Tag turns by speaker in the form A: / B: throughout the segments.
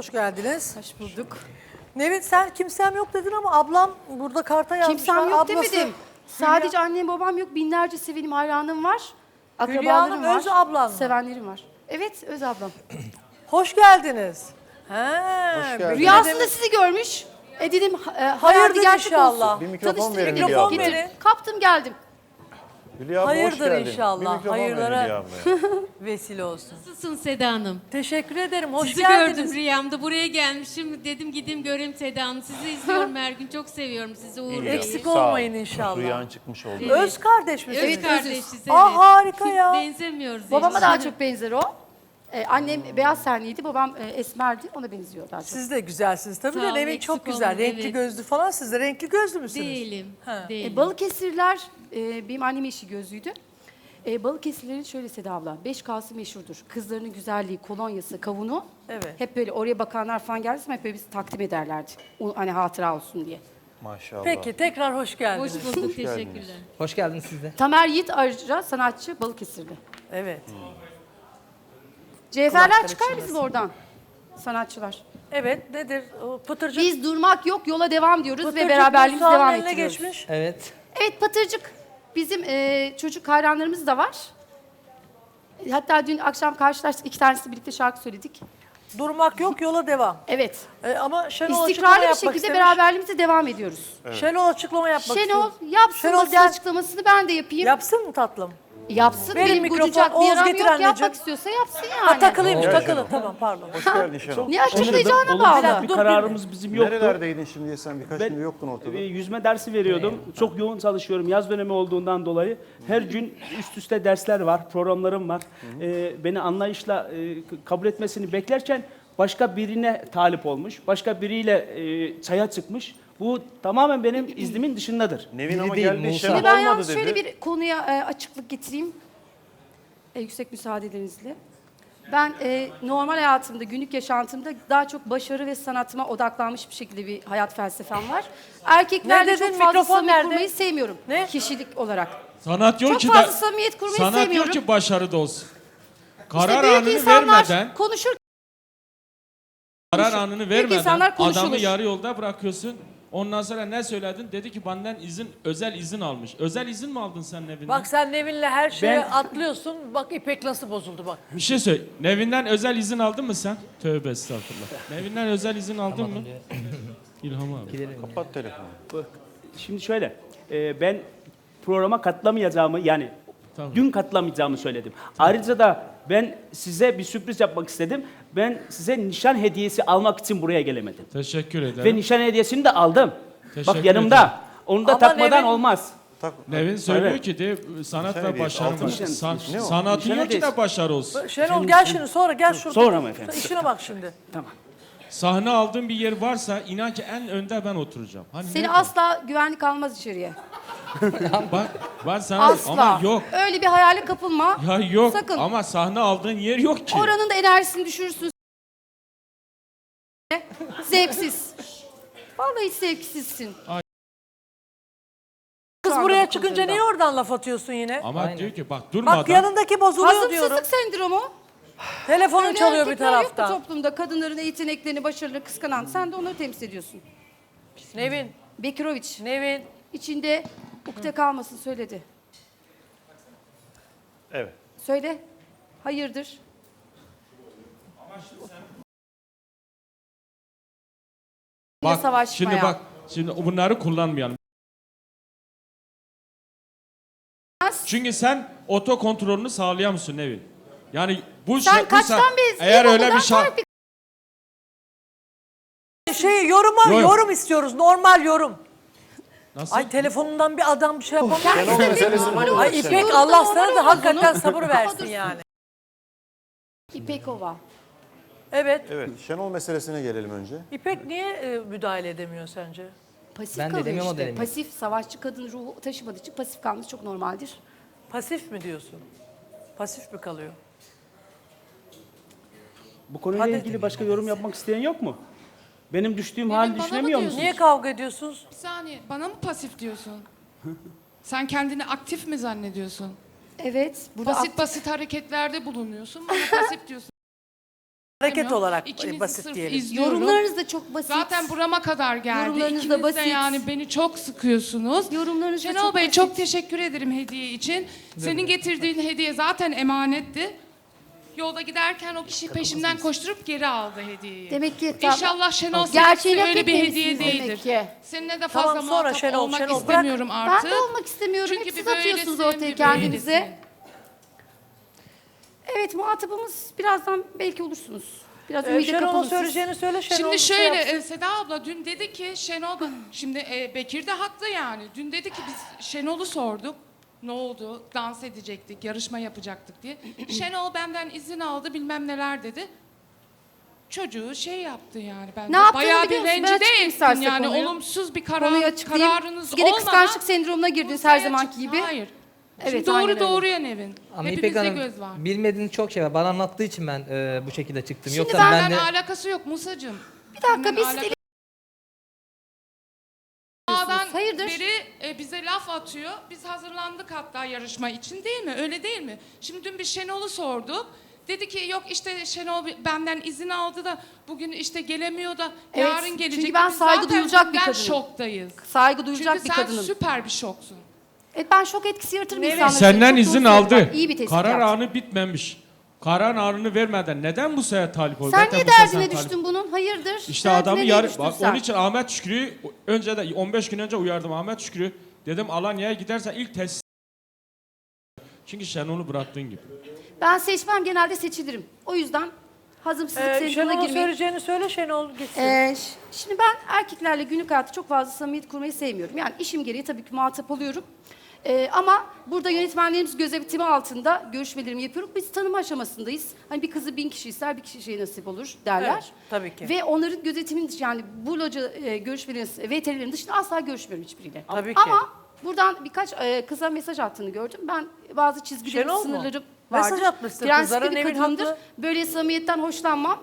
A: hoş geldiniz.
B: Hoş bulduk.
A: Nevin sen kimsem yok dedin ama ablam burada karta yazmış.
B: Kimsem yok
A: Ablası,
B: demedim. Sadece annem babam yok. Binlerce sevenim, hayranım var.
A: Hülya
B: Akrabalarım
A: Hanım,
B: var.
A: öz ablan mı?
B: Sevenlerim var. Evet, öz ablam.
A: Hoş geldiniz. He,
C: Hoş geldin.
B: Rüyasında sizi görmüş. Dedim
A: Hayırdır
B: hayırdır gerçek
A: inşallah.
B: olsun.
C: Bir mikrofon
B: Tanıştırayım
C: verin
B: dedim.
C: Hülya abla.
A: Mikrofon verin.
B: Kaptım geldim.
C: Hülya abla
A: Hayırdır
C: hoş geldin.
A: inşallah,
C: Bir mikrofon verin
A: hayırlara-
C: Hülya ablaya.
A: vesile olsun.
D: Nasılsın Seda Hanım?
A: Teşekkür ederim. Hoş
D: Sizi
A: geldiniz.
D: gördüm rüyamda. Buraya gelmişim. Dedim gideyim göreyim Seda Hanım. Sizi izliyorum her gün. Çok seviyorum sizi Uğur Bey'i.
A: Eksik
C: Sağ ol.
A: olmayın inşallah.
C: Rüyan çıkmış oldu.
D: Evet.
A: Öz kardeş misiniz?
D: Evet kardeşiz. Evet.
A: Aa, harika ya.
D: Benzemiyoruz.
B: Babama
D: hiç.
B: daha çok benzer o. Annem beyaz tenliydi, babam esmerdi. Ona benziyor daha çok.
A: Siz de güzelsiniz tabii
D: Sağ
A: de
D: olun,
A: Nevin
D: eksik
A: çok güzel.
D: olmayın,
A: Renkli
D: evet.
A: gözlü falan. Siz de renkli gözlü müsünüz?
D: Değilim.
A: Ha.
D: Değilim.
B: Balıkesirliler, benim annemin eşi gözlüydü. Balıkesirlilerin şöyle Seda abla, 5K'sı meşhurdur. Kızlarının güzelliği, kolonyası, kavunu.
A: Evet.
B: Hep böyle oraya bakanlar falan geldi zaman hep böyle bizi takdim ederlerdi. O, hani hatıra olsun diye.
C: Maşallah.
A: Peki tekrar hoş geldiniz.
D: Hoş bulduk. Teşekkürler.
E: Hoş geldiniz siz de.
B: Tamer Yiğit ayrıca sanatçı Balıkesirli.
A: Evet.
B: Cevherler
A: Kulakları
B: çıkar
A: çınlasın.
B: bizim oradan. Sanatçılar.
A: Evet nedir? O Pıtırcık.
B: Biz durmak yok, yola devam diyoruz
A: Pıtırcık
B: ve beraberliğimizi
A: Musa'nın
B: devam
A: eline
B: ettiriyoruz.
A: geçmiş.
E: Evet.
B: Evet Patırcık. Bizim çocuk hayranlarımız da var. Hatta dün akşam karşılaştık. 2 tanesi birlikte şarkı söyledik.
A: Durmak yok, yola devam.
B: Evet.
A: Ama Şenol açıklama
B: İstikrarlı bir
A: yapmak
B: şekilde
A: istemiş.
B: beraberliğimize devam ediyoruz.
A: Şenol açıklama yapmak
B: Şenol
A: istiyor.
B: yapsın
A: Şenol
B: basın
A: gel.
B: açıklamasını ben de yapayım.
A: Yapsın mı tatlım?
B: Yapsın.
A: Verin
B: Benim
A: mikrofon,
B: gocacak bir
A: Oğuz
B: yaram
A: getir
B: yok.
A: anneciğim.
B: Yapmak istiyorsa yapsın yani.
A: Ha takılıymış,
C: Gel
A: takılı.
C: Şenol.
A: Tamam pardon.
C: Hoş geldin Şenol.
B: Ne açıklayacağına
F: Olumsuz
B: bağlı.
F: bir
A: Dur,
F: kararımız bizim yoktu.
C: Nerelerdeydin şimdiye sen? Birkaç
F: Ben
C: gün yoktun ortada.
F: yüzme dersi veriyordum. Çok yoğun çalışıyorum yaz dönemi olduğundan dolayı. Her gün üst üste dersler var, programlarım var. Beni anlayışla kabul etmesini beklerken başka birine talip olmuş. Başka biriyle çaya çıkmış. Bu tamamen benim iznimin dışındadır.
C: Nevin ama
E: değil,
C: geldi
E: Musa.
C: Şenol
B: Şimdi ben
C: olmadı
B: yalnız
C: dedi.
B: şöyle bir konuya açıklık getireyim. Yüksek müsaadelerinizle. Ben normal hayatımda, günlük yaşantımda daha çok başarı ve sanatıma odaklanmış bir şekilde bir hayat felsefem var. Erkeklerle
A: Ne dedin?
B: çok fazla
A: Mikrofon
B: samimiyet
A: nerede?
B: kurmayı sevmiyorum.
A: Ne?
B: Kişilik olarak.
G: Sanat yok
B: Çok
G: ki
B: fazla
G: da
B: samimiyet kurmayı
G: sanat
B: sevmiyorum.
G: yok ki başarıda olsun.
B: İşte
G: Karar
B: büyük
G: anını
B: insanlar
G: vermeden,
B: konuşur.
G: karar anını
B: Büyük insanlar
G: vermeden
B: konuşulur.
G: adamı yarı yolda bırakıyorsun. Ondan sonra ne söyledin? Dedi ki benden özel izin almış. Özel izin mi aldın sen Nevin'den?
A: Bak sen Nevin'le her şeye
F: Ben-
A: atlıyorsun. Bak İpek nasıl bozuldu bak.
G: Bir şey söyle. Nevin'den özel izin aldın mı sen? Tövbe estağfurullah. Nevin'den özel izin aldın mı? İlham abi.
C: Kapat telefonu.
F: Şimdi şöyle, ben programa katılamayacağımı yani
G: Tamam.
F: dün katılamayacağımı söyledim. Ayrıca da ben size bir sürpriz yapmak istedim. Ben size nişan hediyesi almak için buraya gelemedim.
G: Teşekkür ederim.
F: Ve nişan hediyesini de aldım.
G: Teşekkür
F: Bak yanımda.
G: ederim.
F: Onu da
A: Ama
F: takmadan
A: Nevin-
F: olmaz.
G: Nevin söylüyor
F: Evet.
G: ki de sanat
C: Nişan
G: ve
C: hediyesi,
G: başarı
C: altın
G: var.
F: nişan.
C: Ne o?
G: Sanatın
F: Nişan
G: yok ki
F: hediyesi.
G: de başarı olsun.
A: Şenol gel şimdi sonra gel şurada.
F: Sonra mı efendim?
A: İşine bak şimdi.
F: Tamam.
G: Sahne aldığım bir yer varsa inan ki en önde ben oturacağım. Hani
B: Seni
G: nerede?
B: asla güvenlik almaz içeriye.
G: Bak ben sana
B: Asla.
G: ama yok.
B: Öyle bir hayale kapılma.
G: Ya yok
B: Sakın.
G: ama sahne aldığın yer yok ki.
B: Oranın da enerjisini düşürürsün. Zevksiz. Vallahi zevksizsin.
A: Kız
B: Şu anda
A: buraya
B: bu
A: çıkınca
B: konuda.
A: niye oradan laf atıyorsun yine?
G: Ama
E: Aynen.
G: diyor ki bak durmadan.
A: Bak yanındaki bozuluyor diyorum.
B: Hazımsızlık sendromu.
A: Telefonun
B: Öyle
A: çalıyor bir
B: erkekler yok bu
A: taraftan.
B: toplumda kadınların yeteneklerini, başarılı kıskanan. Sen de onları temsil ediyorsun.
A: Nevin,
B: Bekiroviç
A: Nevin.
B: içinde ukde kalmasın söyledi.
C: Evet.
B: Söyle. Hayırdır?
G: Bak
B: savaşmaya.
G: şimdi bak şimdi bunları kullanmayalım. Çünkü sen oto kontrolünü sağlayamıyorsun Nevin. Yani bu
B: Sen
G: bu
B: kaçtan beri
G: eğer öyle
B: ilkokuldan
G: bir şey
B: tarih
A: Yorum istiyoruz. Normal yorum.
G: nasıl?
A: Ay telefonundan bir adam bir şey yapamıyor.
C: Şenol meselesi ne oldu?
A: Ay İpek
B: Yorumda
A: Allah
B: normal
A: sana da
B: olmaz
A: hakikaten
B: onun.
A: sabır
B: Ama
A: versin
B: dursun.
A: yani.
B: İpekova.
A: Evet.
C: Evet. Şenol meselesine gelelim önce.
A: İpek niye müdahale edemiyor sence?
B: Pasif
E: Ben de
B: kalıyor
E: edemiyorum, o da
B: işte.
E: edemiyor.
B: Pasif, savaşçı kadın ruhu taşımadığı için pasif kalması çok normaldir.
A: Pasif mi diyorsun? Pasif mi kalıyor?
F: Bu konuyla
A: Hadi.
F: ilgili başka yorum yapmak isteyen yok mu? Benim düştüğüm hali
H: bana mı
F: düşünemiyor
H: diyorsun?
F: musunuz?
A: Niye kavga ediyorsunuz?
H: Bir saniye, bana mı pasif diyorsun? Sen kendini aktif mi zannediyorsun?
B: Evet. Burada
H: Basit basit hareketlerde bulunuyorsun, bana pasif diyorsun.
A: Hareket olarak
H: İkinizi
A: basit
H: sırf
A: diyelim.
H: izliyorum.
B: Yorumlarınız da çok basit.
H: Zaten burama kadar geldi.
B: Yorumlarınız da
H: İkiniz de
B: basit.
H: yani beni çok sıkıyorsunuz.
B: Yorumlarınız da
H: Şenol
B: çok
H: Bey
B: basit.
H: çok teşekkür ederim hediye için. Senin getirdiğin hediye zaten emanetti. Yolda giderken o kişi peşimden koşturup geri aldı hediyeyi.
B: Demek ki
H: İnşallah Şenol
B: gerçeğini
H: senin
B: hak
H: öyle bir hediye
B: etmemişsiniz
H: değildir.
B: demek ki.
H: Seninle de
A: Tamam,
H: fazla
A: sonra
H: muhatap
A: Şenol,
H: olmak
A: Şenol, bırak.
H: istemiyorum artık.
B: Ben de olmak istemiyorum.
H: Çünkü
B: Hep siz
H: bir
B: atıyorsunuz
H: böylesin,
B: ortaya
H: bir
B: kendinizi.
H: böylesin.
B: Evet, muhatabımız birazdan belki olursunuz. Biraz ümide
A: Şenol'a
B: kapılın siz.
A: söyleyeceğini söyle. Şenol
H: Şimdi
A: şey
H: şöyle
A: yapsın.
H: Seda abla dün dedi ki Şenol şimdi Bekir de haklı yani. Dün dedi ki biz Şenol'u sorduk. Ne oldu? Dans edecektik, yarışma yapacaktık diye. Şenol benden izin aldı bilmem neler dedi. Çocuğu şey yaptı yani ben
B: Ne yaptığını
H: bayağı bir
B: biliyor musun? Ben
H: rencide
B: açıklayayım
H: ettin
B: istersen
H: yani
B: konuyu.
H: olumsuz bir
B: Konuyu açıklayayım.
H: kararınız
B: Siz gene
H: olmadan
B: kıskançlık sendromuna girdiniz her
H: ortaya
B: zamanki
H: çıktı.
B: gibi.
H: Hayır.
B: Evet,
H: Şimdi
B: aynen
H: doğru
B: öyle.
H: doğruya Nevin.
E: Ama İpek
H: Hepimizde
E: Hanım
H: göz var.
E: bilmediğiniz çok şey var. Bana anlattığı için ben bu şekilde çıktım.
B: Şimdi
E: Yoksa
H: Benden
E: ben de
H: alakası yok Musacığım.
B: Bir dakika
H: Benden
B: biz
H: alakası-
B: deli-
H: A'dan
B: Hayırdır?
H: beri bize laf atıyor. Biz hazırlandık hatta yarışma için değil mi? Öyle değil mi? Şimdi dün bir Şenol'u sorduk. Dedi ki yok işte Şenol benden izin aldı da bugün işte gelemiyor da
B: Evet,
H: yarın gelecek.
B: çünkü ben
H: Biz
B: saygı
H: zaten
B: duyulacak bir
H: dünden
B: kadınım.
H: şoktayız.
B: Saygı duyacak
H: Çünkü
B: bir
H: sen
B: kadınım.
H: süper bir şoksun.
B: Evet, ben şok etkisi yaratırım
A: Nevin,
B: insanlara.
G: Senden
B: Çok
G: izin
B: doğru
G: aldı.
B: söylüyorum. İyi bir tespit
G: Karar
B: yaptın.
G: anı bitmemiş. Karar anını vermeden neden bu sefer talip oldu?
B: Sen
G: Zaten
B: niye
G: bu sefer
B: derdine
G: talip-
B: düştün bunun? Hayırdır?
G: İşte
B: Derdine
G: adamı
B: niye
G: yarı...
B: düştün
G: Bak
B: sen?
G: onun için Ahmet Şükrü'yü önce de 15 gün önce uyardım Ahmet Şükrü. Dedim Alanya'ya gidersen ilk test. Çünkü Şenol'u bıraktığın gibi.
B: Ben seçmem, genelde seçilirim. O yüzden hazımsızlık sendromuna
A: Şenol'a
B: girmeyin.
A: söyleyeceğini söyle. Şenol gitsin.
B: Şimdi ben erkeklerle günlük hayatta çok fazla samimiyet kurmayı sevmiyorum. Yani işim gereği tabii ki muhatap oluyorum. Ama burada yönetmenlerimiz gözetimi altında görüşmelerimi yapıyorum. Biz tanıma aşamasındayız. Hani bir kızı 1000 kişi ister, bir kişiye nasip olur derler.
A: Evet, tabii ki.
B: Ve onların gözetimin dışı, yani bu loca görüşmelerinin, VTR'lerin dışında asla görüşmüyorum hiçbiriyle.
A: Tabii ki.
B: Ama buradan birkaç kıza mesaj attığını gördüm. Ben bazı çizgilerim,
A: Şenol mu?
B: sınırlarım
A: Mesaj
B: vardır.
A: atmışsın
B: Prensipli
A: kızlara,
B: bir
A: Nevin
B: kadındır.
A: haklı.
B: Böyle samimiyetten hoşlanmam.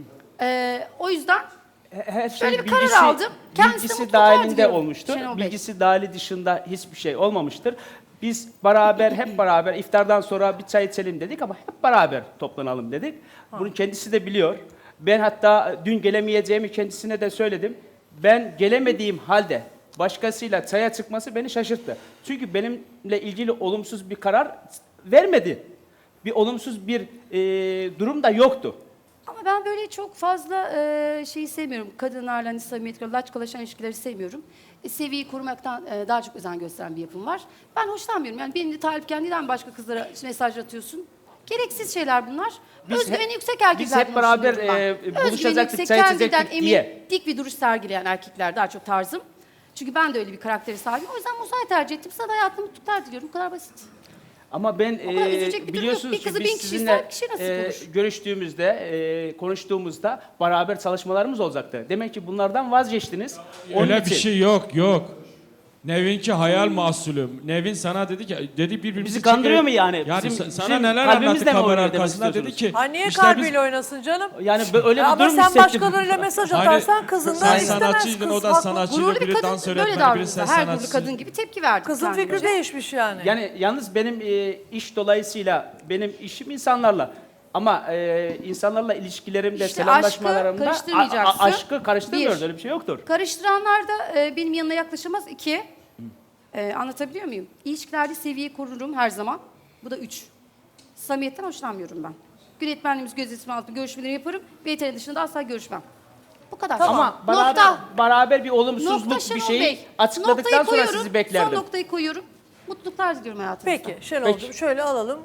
B: O yüzden
F: Her şey
B: Böyle bir karar aldım. Kendisi de
F: bilgisi
B: mutlu
F: dahilinde
B: diyorum
F: olmuştur.
B: Şenol Bey.
F: Bilgisi dahili dışında hiçbir şey olmamıştır. Biz hep beraber iftardan sonra bir çay içelim dedik ama hep beraber toplanalım dedik. Bunu kendisi de biliyor. Ben hatta dün gelemeyeceğimi kendisine de söyledim. Ben gelemediğim halde başkasıyla çaya çıkması beni şaşırttı. Çünkü benimle ilgili olumsuz bir karar vermedi. Bir olumsuz bir durum da yoktu.
B: ama ben böyle çok fazla şeyi sevmiyorum. Kadınlarla hani samimiyet, laçkalaşan ilişkileri sevmiyorum. Seviyeyi korumaktan daha çok özen gösteren bir yapım var. Ben hoşlanmıyorum. Yani benim de talipken neden başka kızlara mesaj atıyorsun? Gereksiz şeyler bunlar. Özgüveni yüksek erkekler.
F: biz hep beraber, buluşacaktık, çay içecektik
B: kendinden emin,
F: diye.
B: dik bir duruş sergileyen erkekler daha çok tarzım. Çünkü ben de öyle bir karakteri sahibim. O yüzden Musa'yı tercih ettim. Sana da hayatımda mutluluklar diliyorum. Bu kadar basit.
F: Ama ben
B: kadar üzülecek bir durum yok.
F: biliyorsunuz
B: Bir kızı
F: ki
B: 1000
F: biz
B: kişi
F: sizinle
B: ister, kişi nasip olur.
F: görüştüğümüzde, konuştuğumuzda beraber çalışmalarımız olacaktı. Demek ki bunlardan vazgeçtiniz. Onun
G: Öyle bir
F: için
G: şey yok. Nevin'ki hayal mahsulü. Nevin sana dedi ki birbirimizi
F: Bizi kandırıyor mu yani?
G: Yani
F: Bizim-
G: sana
F: bizim
G: neler
F: kalbimizle
G: anlattı
F: mi
G: kamera
F: oynuyor demek
G: arkasında dedi
F: istiyorsunuz?
G: ki.
A: Ay niye
G: işte
A: kalbiyle oynasın canım?
F: yani öyle bir
A: Ama
F: durum
A: sen
F: hissettim.
A: başkalarıyla mesaj
G: Hani
A: atarsan kızından
G: sen
A: istemez
G: sanatçıydın,
A: kız.
G: o da
A: Haklı.
G: sanatçıydı,
B: Gururlu bir
G: biri
B: kadın
G: dans
B: böyle
G: öğretmeni, biri
B: davranıyor.
G: ses
B: Her gururlu
G: sanatçısı.
B: kadın gibi tepki verdi.
A: Kızın
B: kendine.
A: fikri değişmiş yani.
F: Yani yalnız benim iş dolayısıyla benim işim insanlarla. Ama insanlarla ilişkilerimde,
B: İşte
F: selamlaşmalarımda
B: aşkı karıştırmayacaksın.
F: aşkı karıştırmıyoruz.
B: Bir.
F: Öyle bir şey yoktur.
B: Karıştıranlar da benim yanına yaklaşamaz. 2. Anlatabiliyor muyum? İlişkilerde seviyeyi korurum her zaman. Bu da 3. Samimiyetten hoşlanmıyorum ben. Yönetmenliğimiz gözetimi altında görüşmeleri yaparım. VTR dışında asla görüşmem. Bu kadar.
F: Ama beraber bir olumsuzluk
B: Nokta
F: bir
B: Şenol
F: şeyi
B: Bey.
F: açıkladıktan
B: Noktayı
F: sonra
B: koyuyorum,
F: sizi beklerdim.
B: Son noktayı koyuyorum. Mutluluklar diliyorum hayatınızda.
A: Peki Şenol'cum şöyle alalım.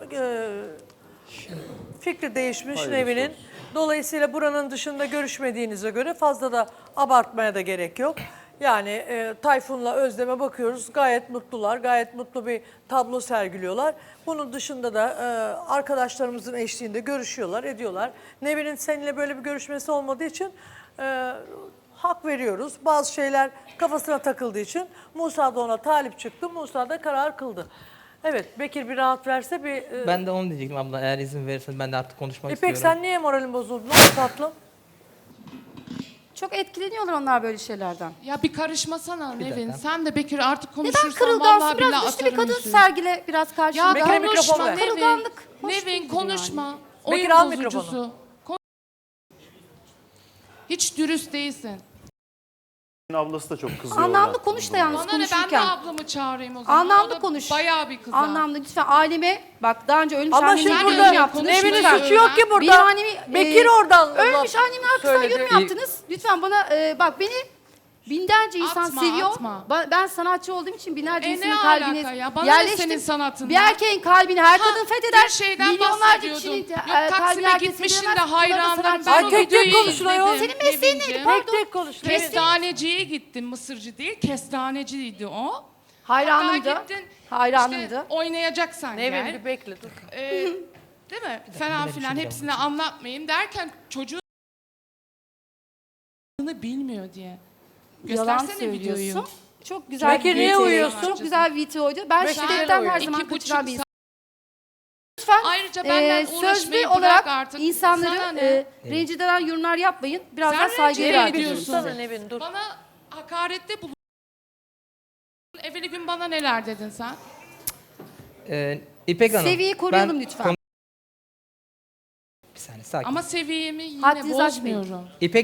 A: Fikri değişmiş Nevin'in. Dolayısıyla buranın dışında görüşmediğinize göre fazla da abartmaya da gerek yok. Yani Tayfun'la Özlem'e bakıyoruz. Gayet mutlular. Gayet mutlu bir tablo sergiliyorlar. Bunun dışında da arkadaşlarımızın eşliğinde görüşüyorlar, ediyorlar. Nevin'in seninle böyle bir görüşmesi olmadığı için hak veriyoruz. Bazı şeyler kafasına takıldığı için Musa da ona talip çıktı. Musa da karar kıldı. Evet, Bekir bir rahat verse bir...
E: ben de onu diyecektim abla. Eğer izin verirsen ben de artık konuşmak
A: İpek
E: istiyorum.
A: sen niye moralin bozuldu? Ne oldu tatlım?
B: Çok etkileniyorlar onlar böyle şeylerden.
H: Ya bir karışmasana Nevin.
E: dakika.
H: Sen de Bekir artık
B: Neden
H: konuşursan
B: kırılgansın?
H: vallahi
B: Biraz
H: billahi
B: güçlü bir
H: atarım
B: kadın
H: yüzüğü.
B: sergile biraz karşında.
H: Ya
A: Bekir'e mikrofon
H: konuşma
A: ver.
H: Nevin.
B: Kırılganlık hoş
H: Nevin
B: değildir
H: konuşma.
A: Bekir,
H: Oyun
A: al
H: bozucusu.
A: mikrofonu.
H: Hiç dürüst değilsin.
C: Ablası da çok kızıyor.
B: Anlamlı
C: orada.
B: konuş da yalnız
H: Bana ne, ben de
B: konuşurken.
H: ablamı çağırayım o zaman.
B: Anlamlı
H: O da
B: konuş.
H: Bayağı bir kız.
B: Anlamlı lütfen aileme bak daha önce ölmüş
A: Ama
B: annemin
A: şimdi
H: Sen
B: yorum
H: öyle
A: burada
B: yaptınız.
H: konuşma
A: Nevin'in
H: ya.
A: suçu yok ki burada.
B: Benim annemi
A: Bekir oradan
B: ölmüş
A: laf
B: annemin arkasından
A: söyledi.
B: yorum yaptınız. Lütfen bana bak beni binlerce insan
H: Atma,
B: seviyor.
H: atma.
B: Ben sanatçı olduğum için binlerce
H: Ne
B: insanın
H: alaka
B: kalbine
H: ya? Bana ne senin sanatından?
B: Bir erkeğin kalbini her kadın fetheder.
H: Bir şeyden
B: Milyonlarca
H: bahsediyordun.
B: kişinin
H: Yok
B: kalbini
H: Taksim'e
B: herkes
H: gitmişsin de
B: fethedemez. Bunları da
H: hayranlarım.
B: sanatçı-
H: Ben
A: Ay,
H: o
A: tek tek
H: videoyu
A: konuşun ayol.
H: izledim.
B: Senin mesleğin neydi?
H: Nevin'ciğim.
B: Pardon.
A: Tek tek konuş. Nevin.
H: Kestaneciye gittim, Mısırcı değil, kestaneciydi o.
B: Hayranımdı.
H: Hatta gittin,
B: Hayranımdı.
H: İşte oynayacaksan
A: Nevin
H: gel.
A: bir bekle dur.
H: Değil mi? Falan filan hepsini anlatmayayım derken çocuğun bilmiyor diye.
B: Yalan
H: Göstersene videoyu.
B: söylüyorsun. Çok güzel
A: Bekir,
B: bir
A: niye
B: videoydu.
A: uyuyorsun?
B: Çok güzel bir videoydu. Ben
A: Bekir,
B: şiddetten
A: niye
B: her
A: uyuyorsun?
B: zaman
H: 2,5
B: kaçıran bir
H: saat.
B: Lütfen
H: Ayrıca benden
B: sözlü
H: uğraşmayı
B: olarak
H: bırak artık.
B: insanları
H: Sana ne?
B: rencide eden yorumlar yapmayın. Biraz
H: Sen
B: daha saygıyla
H: rencide
B: hareket edin.
H: ediyorsun.
A: Sana Nevin dur.
H: Bana hakarette bulundun. Evveli gün bana neler dedin sen?
E: İpek Hanım.
B: Seviyeyi koruyalım
E: ben
B: lütfen.
E: Bir saniye sakin.
B: Ama seviyemi yine
H: Haddinizi aşmayın.
B: bozmuyorum.
E: İpek